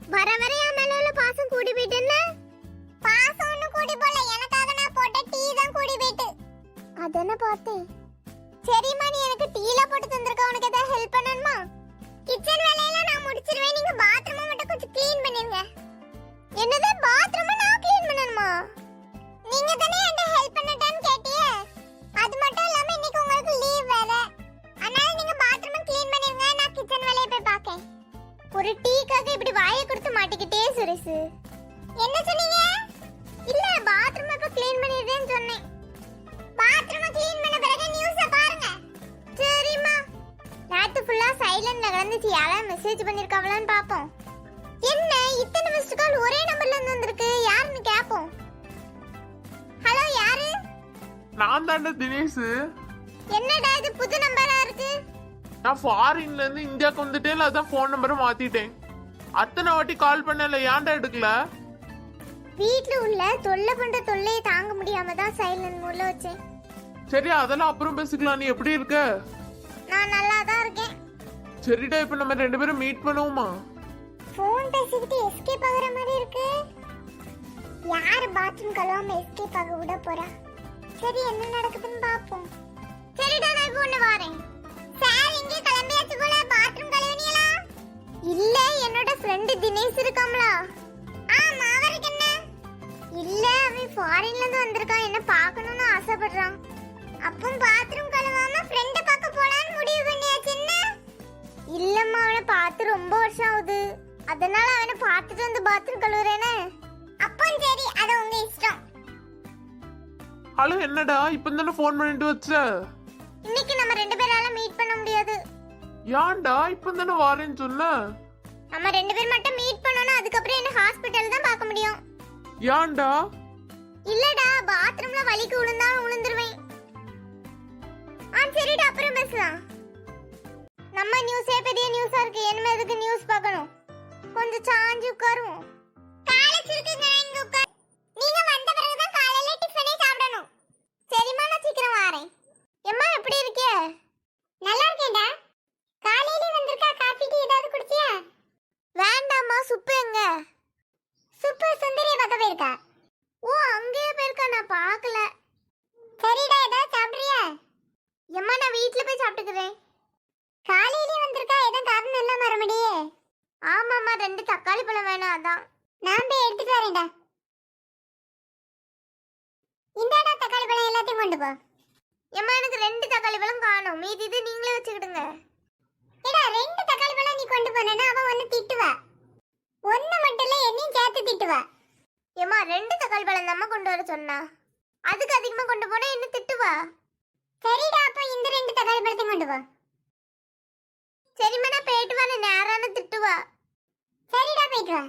வர வர என் மேல உள்ள பாசம் கூடி போயிட்டுன்னு. பாசம் ஒண்ணு கூடி போல, எனக்காக நான் போட்ட டீ தான் கூடி போயிட்டு. அதென்ன பார்த்தேன். சரிம்மா, நீ எனக்கு டீல போட்டு தந்திருக்க. உனக்கு ஏதாவது ஹெல்ப் பண்ணணுமா? கிச்சன் வேலையெல்லாம் நான் முடிச்சிருவேன். நீங்க பாத்ரூம் மட்டும் கொஞ்சம் க்ளீன் பண்ணிருங்க. என்னது, பாத்ரூம் நான் க்ளீன் பண்ணணுமா? நீங்க தானே என்கிட்ட ஹெல்ப் பண்ணட்டான்னு கேட்டியே. அது மட்டும் இல்லாம இன்னைக்கு உங்களுக்கு லீவ் வேற. அதனால நீங்க பாத்ரூம் க்ளீன் பண்ணிருங்க. நான் கிச்சன் வேலையை போய் பார்க்கேன். ஒரு டீக்காக இப்படி வாயை கொடுத்து மாட்டிக்கிட்டே சுரேஷ். என்ன சொன்னீங்க? இல்ல, பாத்ரூம் இப்ப க்ளீன் பண்ணிடுறேன்னு சொன்னேன். பாத்ரூம் க்ளீன் பண்ண பிறகு நியூஸை பாருங்க. சரிம்மா. நேத்து ஃபுல்லா சைலண்ட்ல கிடந்துச்சு. யாராவது மெசேஜ் பண்ணிருக்காங்களான்னு பாப்போம். என்ன இத்தனை மிஸ்ட் கால் ஒரே நம்பர்ல இருந்து வந்திருக்கு? யாருன்னு கேப்போம். ஹலோ, யாரு? நான் தான்டா தினேஷ். என்னடா இது புது நம்பரா இருக்கு? நான் ஃபாரின்ல இருந்து இந்தியாவுக்கு வந்துட்டேன், அதான் ஃபோன் நம்பரை மாத்திட்டேன். அத்தனை வாட்டி கால் பண்ணல, ஏன்டா எடுக்கல? வீட்ல உள்ள தொல்லை பண்ற தொல்லையை தாங்க முடியாம தான் சைலண்ட் மூட்ல வச்சேன். சரி, அதெல்லாம் அப்புறம் பேசிக்கலாம். நீ எப்படி இருக்க? நான் நல்லா தான் இருக்கேன். சரிடா, இப்ப நம்ம ரெண்டு பேரும் மீட் பண்ணுவோமா? ஃபோன் பேசிக்கிட்டு எஸ்கேப் ஆகுற மாதிரி இருக்கு. யாரு பாத்ரூம் கழுவாம எஸ்கேப் ஆக விட போறா? சரி, என்ன நடக்குதுன்னு பாப்போம். சரிடா, நான் இப்போ ஒண்ணு வரேன். சார், இங்கே கிளம்பியாச்சு போல. பாத்ரூம் கழுவினீங்களா? இல்ல, என்னோட ஃப்ரெண்ட் தினேஷ் இருக்காம்ல. ஆமா, அவருக்கு என்ன? இல்ல, அவன் ஃபாரின்ல இருந்து வந்திருக்கான். என்ன பார்க்கணும்னு ஆசைப்படுறான். அப்போ பாத்ரூம் கழுவாம ஃப்ரெண்ட பார்க்க போலான்னு முடிவு பண்ணியாச்சு. என்ன? இல்லம்மா, அவனை பார்த்து ரொம்ப வருஷம் ஆகுது. அதனால அவனை பார்த்துட்டு வந்து பாத்ரூம் கழுவுறேனே. அப்போ சரி, அது உங்க இஷ்டம். ஹலோ, என்னடா இப்ப தானே ஃபோன் பண்ணிட்டு வச்ச? இன்னைக்கு நம்ம ரெண்டு பேரால மீட் பண்ண முடியாது. ஏன்டா இப்ப தானே வாரேன்னு சொன்ன? நம்ம ரெண்டு பேர் மட்டும் மீட் பண்ணனும். அதுக்கப்புறம் என்ன ஹாஸ்பிடல் தான் பார்க்க முடியும். ஏன்டா? இல்லடா, பாத்ரூம்ல வலிக்கு விழுந்தா விழுந்துருவேன். சரிடா, அப்புறம் பேசலாம். நம்ம நியூஸே பெரிய நியூஸா இருக்கு. என்ன எதுக்கு நியூஸ் பார்க்கணும்? கொஞ்சம் சாஞ்சு உட்காருவோம். காலேஜ் இருக்குங்க, இங்க உட்கார். நீங்க வந்த பிறகு தான் காலையில டிஃபனே சாப்பிடணும். சரிம்மா, நான் சீக்கிரம் வரேன். எம்மா, எப்படி இருக்கே? நல்லா இருக்கேன்டா. காலையில வந்திருக்கா, காபி டீ ஏதாவது குடிச்சியா? வேண்டாம்மா. சுப்பு எங்க? சுப்பு சுந்தரியை பார்க்க போயிருக்கா. ஓ, அங்கேயே போயிருக்கா, நான் பார்க்கல. சரிடா, ஏதாவது சாப்பிடுறியா? எம்மா, நான் வீட்ல போய் சாப்பிட்டுக்கிறேன். காலையிலே வந்திருக்கா, ஏதோ காரணம் இல்லாம வர முடியே. ஆமாம்மா, 2 தக்காளி பழம் வேணும், அதான். நான் போய் எடுத்துட்டு வரேன்டா. இந்தாடா தக்காளி பழம், எல்லாத்தையும் கொண்டு போ. எம்மா, எனக்கு 2 தக்காளி பழம் காணும். மீதி இது நீங்களே வச்சுக்கிடுங்க. ஏடா, 2 தக்காளி பழம் நீ கொண்டு போனேன்னா அவ ஒன்னு திட்டுவா. ஒன்னு மட்டும் இல்ல, என்னையும் சேர்த்து திட்டுவா. எம்மா, 2 தக்காளி பழம் நம்ம கொண்டு வர சொன்னா. அதுக்கு அதிகமா கொண்டு போனா என்ன திட்டுவா. சரிடா, அப்ப இந்த 2 தக்காளி பழத்தையும் கொண்டு போ. சரிம்மா, நான் போயிட்டு வரேன். நேரான திட்டுவா. சரிடா, போயிட்டு வா.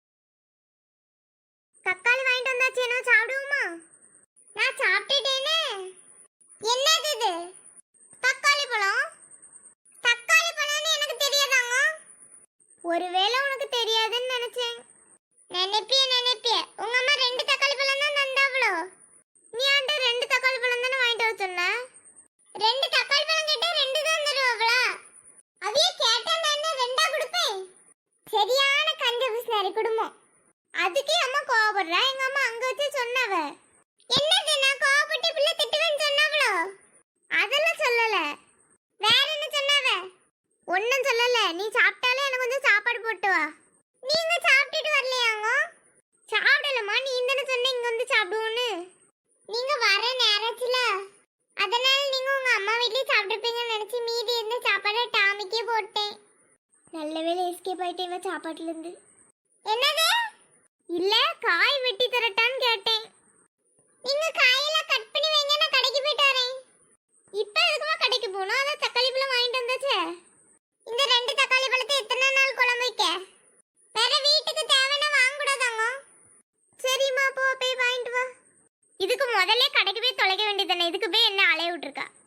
தக்காளி வாங்கிட்டு வந்தாச்சு, என்ன சாப்பிடுவோமா? நான் சாப்பிட்டுட்டேனே. என்னது இது? தக்காளி பழம். தக்காளி பழம்னு எனக்கு தெரியாதாங்க. ஒருவேளை உனக்கு தெரியாதுன்னு நினைச்சேன். நினைப்பிய உங்க அம்மா 2 தக்காளி பழம் தான் தந்தாவளோ. நீ ஆண்ட 2 தக்காளி பழம் தானே வாங்கிட்டு வர சொன்ன. 2 தக்காளி பழம் கேட்டா 2 தான் தருவாங்களா? அவையே கேட்டா நான் 2ஆ கொடுப்பேன். சரியான கஞ்ச பிசினாரி குடும்பம். அதுக்கே அம்மா கோவப்படுறா. எங்க அம்மா அங்க வச்சு சொன்னவ. என்னது, நான் கோவப்பட்டு பிள்ளை திட்டுவேன்னு சொன்னாவளோ? அதெல்லாம் சொல்லல. வேற என்ன சொன்னவ? ஒன்னும் சொல்லல. நீ சாப்பிட்டாலே எனக்கு கொஞ்சம் சாப்பாடு போட்டு வா. நீங்க சாப்பிட்டுட்டு வரலையாங்க? சாப்பிடலம்மா, நீ தானே சொன்ன இங்க வந்து சாப்பிடுவோன்னு. நீங்க வர நேரத்துல அதனால நீங்க உங்க அம்மா வீட்லயே சாப்பிட்டுருப்பீங்கன்னு நினைச்சு மீதி இருந்த சாப்பாடை டாமிக்கே போட்டேன். நல்ல வேளை எஸ்கேப் ஆயிட்டேன் சாப்பாட்டுல இருந்து. என்னது? இல்ல, காய் வெட்டி தரட்டான்னு கேட்டேன். நீங்க காயெல்லாம் கட் பண்ணி வைங்க, நான் கடைக்கு போயிட்டு வரேன். இப்ப எதுக்குமா கடைக்கு போகணும்? அதான் தக்காளி பழம் வாங்கிட்டு வந்தாச்சே. இந்த 2 தக்காளி பழத்தை எத்தனை நாள் குழம்பு வைக்க? வேற வீட்டுக்கு தேவைன்னா வாங்க கூடாதாங்க. சரிம்மா, போ போய் வாங்கிட்டு வா. இதுக்கு முதல்ல கடைக்கு போய் தொலைக்க வேண்டியதானே. இதுக்கு போய் என்ன அலைய விட்டுருக்கா?